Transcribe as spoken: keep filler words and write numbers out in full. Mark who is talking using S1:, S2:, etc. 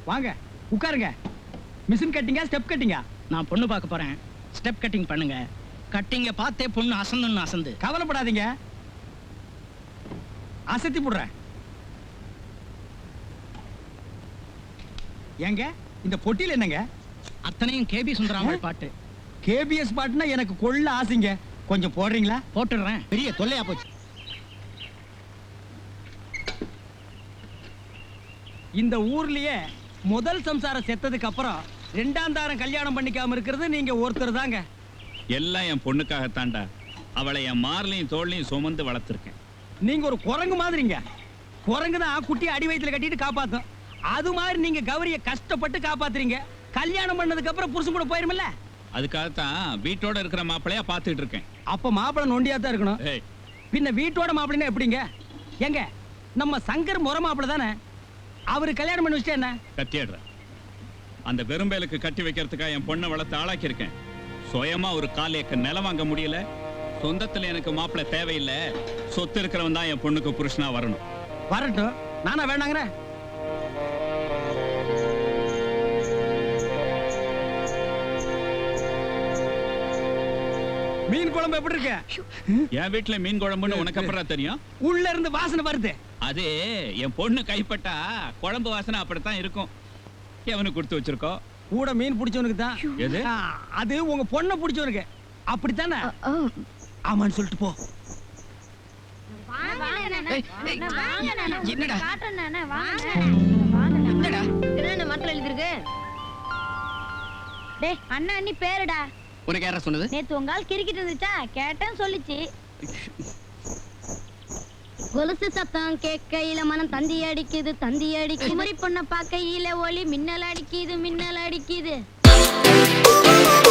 S1: வாங்க உட்காருங்க. மிஷின் கட்டிங்கா ஸ்டெப் கட்டிங்கா?
S2: நான் பொண்ணு பார்க்க போறேன். ஸ்டெப் கட்டிங் பண்ணுங்க. கட்டிங்க பார்த்தே பொண்ணு அசந்துன்னு அசந்து.
S1: கவலைப்படாதீங்க, அசத்தி போடுறேன். ஏங்க இந்த பொட்டியில் என்னங்க?
S2: அத்தனையும் கேபி சுந்தராமல் பாட்டு.
S1: கேபிஎஸ் பாட்டுனா எனக்கு கொள்ள ஆசைங்க. கொஞ்சம் போடுறீங்களா?
S2: போட்டுடுறேன்.
S1: பெரிய தொல்லையா போச்சு. இந்த ஊர்லயே முதல் சம்சாரம் செத்ததுக்கு அப்புறம் ரெண்டாம் தாரம் கல்யாணம் பண்ணிக்காம இருக்கிறது நீங்க ஒருத்தர் தாங்க.
S3: எல்லாம் என் பொண்ணுக்காகத்தாண்டா. அவளை என் மார்லையும் தோல்லையும் சுமந்து வளர்த்துருக்கேன்.
S1: நீங்க ஒரு குரங்கு மாதிரிங்க. குரங்கு தான் குட்டி அடி வயிற்றுல கட்டிட்டு காப்பாத்தும். அது மாதிரி நீங்க கௌரிய கஷ்டப்பட்டு காப்பாத்துறீங்க. கல்யாணம் பண்ணதுக்கு அப்புறம் புருஷன் கூட போயிருமில்ல.
S3: அதுக்காகத்தான் வீட்டோட இருக்கிற மாப்பிளையா பார்த்துட்டு இருக்கேன்.
S1: அப்ப மாப்பிள்ளை நொண்டியா தான் இருக்கணும்.
S3: ஏய்,
S1: பின்ன வீட்டோட மாப்பிள்ளைன்னா எப்படிங்க? எங்க நம்ம சங்கர் முறை மாப்பிள்ளை தானே. அவரு கல்யாணம் பண்ணி வச்சுட்டு என்ன
S3: கத்தியாடுற. அந்த வெறும்பேலுக்கு கட்டி வைக்கிறதுக்காக என் பொண்ணை வளர்த்து ஆளாக்கி இருக்கேன். சுயமா ஒரு கால் ஏக்கர் நிலம் வாங்க முடியல. சொந்தத்துல எனக்கு மாப்பிள்ளை தேவையில்லை. சொத்து இருக்கிறவன் தான் என் பொண்ணுக்கு புருஷனா வரணும்.
S1: வரட்டும், நானா வேணாங்கிறேன். மீன் குழம்பு எப்படி இருக்கு?
S3: என் வீட்டுல மீன் குழம்புன்னு உனக்கு அப்புறம் தெரியும்.
S1: உள்ள இருந்து வாசனை வருது.
S3: அது என் பொண்ணு கைப்பட்டா குழம்பு வாசனை அப்படித்தான் இருக்கும். எவனுக்கு கொடுத்து வச்சிருக்கோம்?
S1: கூட மீன் பிடிச்சவனுக்கு தான்.
S3: எது?
S1: ஆ, அது உங்க பொண்ணை பிடிச்சவனுக்கு. அப்படித்தானே? ஆமான்னு சொல்லிட்டு போ.
S2: என்னடா
S4: அண்ணா அண்ணி பேருடா.
S2: உனக்கு யாரா சொன்னது?
S4: நேத்து உங்கால் கிரிக்கிட்டு இருந்துச்சா கேட்டேன்னு சொல்லிச்சு. கொலுசு சத்தம் கேட்கையில மனம் தந்தி அடிக்குது தந்தி அடிக்குது. குமரி பொண்ண பார்க்கையில ஒளி மின்னல் அடிக்குது மின்னல் அடிக்குது.